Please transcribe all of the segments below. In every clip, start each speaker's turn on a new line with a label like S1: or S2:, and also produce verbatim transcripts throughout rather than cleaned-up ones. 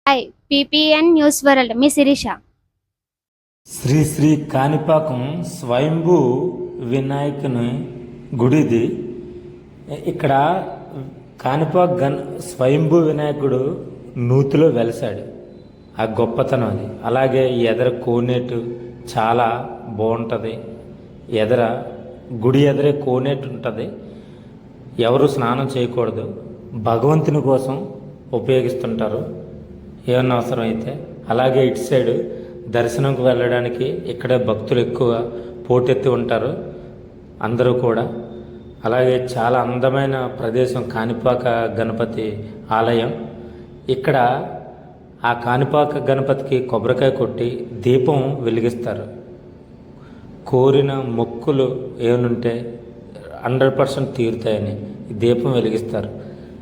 S1: Hi PPN news world మీ శిరీష.
S2: శ్రీ శ్రీ కాణిపాకం స్వయంభూ వినాయకుని గుడిది. ఇక్కడ కాణిపాక గణ స్వయంభూ వినాయకుడు నూతిలో వెలిసాడు. ఆ గొప్పతనం అది. అలాగే ఎదర కోనేటు చాలా బాగుంటుంది. ఎదర గుడి ఎదరే కోనేటు ఉంటుంది. ఎవరు స్నానం చేయకూడదు, భగవంతుని కోసం ఉపయోగిస్తుంటారు ఏమన్నా అవసరం అయితే. అలాగే ఇటు సైడు దర్శనంకు వెళ్ళడానికి ఇక్కడే భక్తులు ఎక్కువ పోటెత్తి ఉంటారు అందరూ కూడా. అలాగే చాలా అందమైన ప్రదేశం కాణిపాక గణపతి ఆలయం. ఇక్కడ ఆ కాణిపాక గణపతికి కొబ్బరికాయ కొట్టి దీపం వెలిగిస్తారు. కోరిన మొక్కులు ఏమనుంటే హండ్రెడ్ పర్సెంట్ తీరుతాయని ఈ దీపం వెలిగిస్తారు.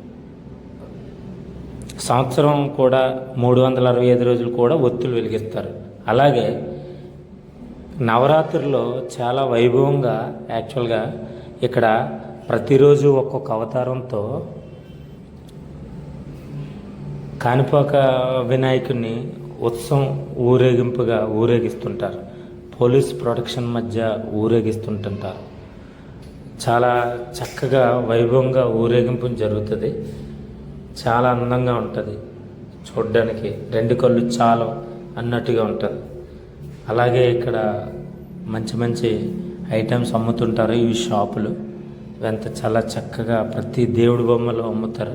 S2: సంవత్సరం కూడా మూడు వందల అరవై ఐదు రోజులు కూడా ఒత్తులు వెలిగిస్తారు. అలాగే నవరాత్రుల్లో చాలా వైభవంగా యాక్చువల్గా ఇక్కడ ప్రతిరోజు ఒక్కొక్క అవతారంతో కాణిపాక వినాయకుడిని ఉత్సవం ఊరేగింపుగా ఊరేగిస్తుంటారు. పోలీస్ ప్రొటెక్షన్ మధ్య ఊరేగిస్తుంటుంటారు. చాలా చక్కగా వైభవంగా ఊరేగింపు జరుగుతుంది. చాలా అందంగా ఉంటుంది చూడ్డానికి. రెండు కళ్ళు చాలు అన్నట్టుగా ఉంటుంది. అలాగే ఇక్కడ మంచి మంచి ఐటమ్స్ అమ్ముతుంటారు. ఇవి షాపులు ఎంత చాలా చక్కగా ప్రతి దేవుడి బొమ్మలు అమ్ముతారు.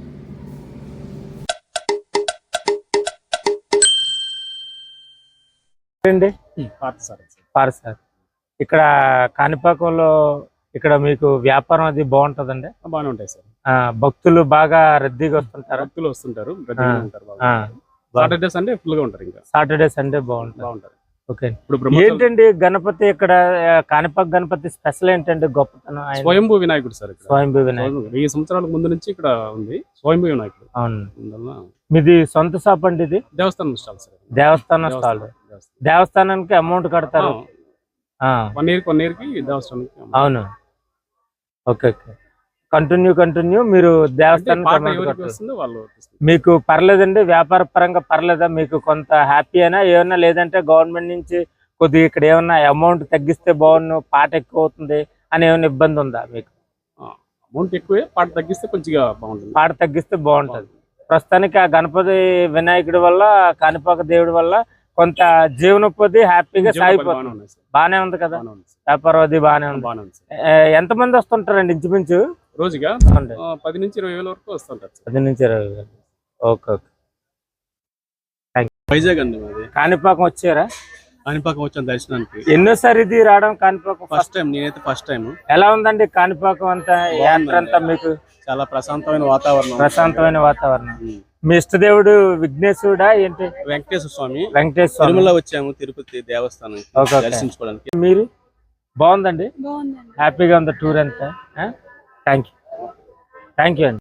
S2: అండి సార్ ఇక్కడ కాణిపాకంలో ఇక్కడ మీకు వ్యాపారం అది బాగుంటుందండి?
S3: బాగానే ఉంటాయి సార్.
S2: భక్తులు బాగా రద్దీగా వస్తుంటారు.
S3: భక్తులు వస్తుంటారు సాటర్డే సండే ఫుల్ గా ఉంటారు. ఇంకా సాటర్డే సండే బాగుంటుంది బాగుంటారు ఓకే. ఇప్పుడు
S2: ఏంటండి గణపతి ఇక్కడ కాణిపాక గణపతి స్పెషల్ ఏంటండి గొప్పతనం?
S3: స్వయంభూ వినాయకుడు సార్.
S2: స్వయంభూ వినాయకుడు
S3: వెయ్యి సంవత్సరాల ముందు నుంచి ఇక్కడ ఉంది స్వయంభూ వినాయకుడు.
S2: అవును. మీది సొంత షాప్ అండి? ఇది
S3: దేవస్థానం స్టాల్ సార్.
S2: దేవస్థానం స్టాల్. దేవస్థానానికి అమౌంట్ కడతారు
S3: వన్ ఇయర్ వన్ ఇయర్ కి దేవస్థానానికి.
S2: అవును ఓకే ఓకే. కంటిన్యూ కంటిన్యూ మీరు దేవస్థానం మీకు పర్లేదండి? వ్యాపార పరంగా పర్లేదా మీకు? కొంత హ్యాపీ అయినా ఏమన్నా? లేదంటే గవర్నమెంట్ నుంచి కొద్దిగా ఇక్కడ ఏమన్నా అమౌంట్ తగ్గిస్తే బాగుండు, పాట ఎక్కువ అవుతుంది అని ఏమైనా ఇబ్బంది ఉందా మీకు?
S3: అమౌంట్ ఎక్కువే, పాట తగ్గిస్తే కొంచెం బాగుంటుంది.
S2: పాట తగ్గిస్తే బాగుంటుంది. ప్రస్తుతానికి ఆ గణపతి వినాయకుడి వల్ల కాణిపాక దేవుడి వల్ల కొంత జీవనోపాధి హ్యాపీగా సాగిపోతుంది. బానే ఉంది కదా వ్యాపారం అది? బానే ఉంది. ఎంత మంది వస్తుంటారండి ఇంచుమించు
S3: రోజుగా? పది నుంచి ఇరవై వేల వరకు వస్తుంటారు.
S2: పది నుంచి ఇరవై వేలు ఓకే ఓకే.
S3: వైజాగ్ అండి మాది.
S2: కాణిపాకం వచ్చారా?
S3: కాణిపాకం వచ్చాను దర్శనానికి.
S2: ఎన్నోసారి ఇది రావడం కాణిపాకం?
S3: First time. నేనైతే ఫస్ట్ టైం.
S2: ఎలా ఉందండి కాణిపాకం అంతా యాత్ర అంతా? మీకు
S3: చాలా ప్రశాంతమైన వాతావరణం.
S2: ప్రశాంతమైన వాతావరణం. మీ ఇష్టదేవుడు విఘ్నేశ్వరుడా ఏంటి?
S3: వెంకటేశ్వర స్వామి.
S2: వెంకటేశ్వర స్వామి.
S3: తిరుమల వచ్చాము తిరుపతి దేవస్థానం దర్శించుకోవడానికి.
S2: మీరు బాగుందండి? హ్యాపీగా ఉంది టూర్ అంతా? థ్యాంక్ యూ థ్యాంక్ యూ అండి.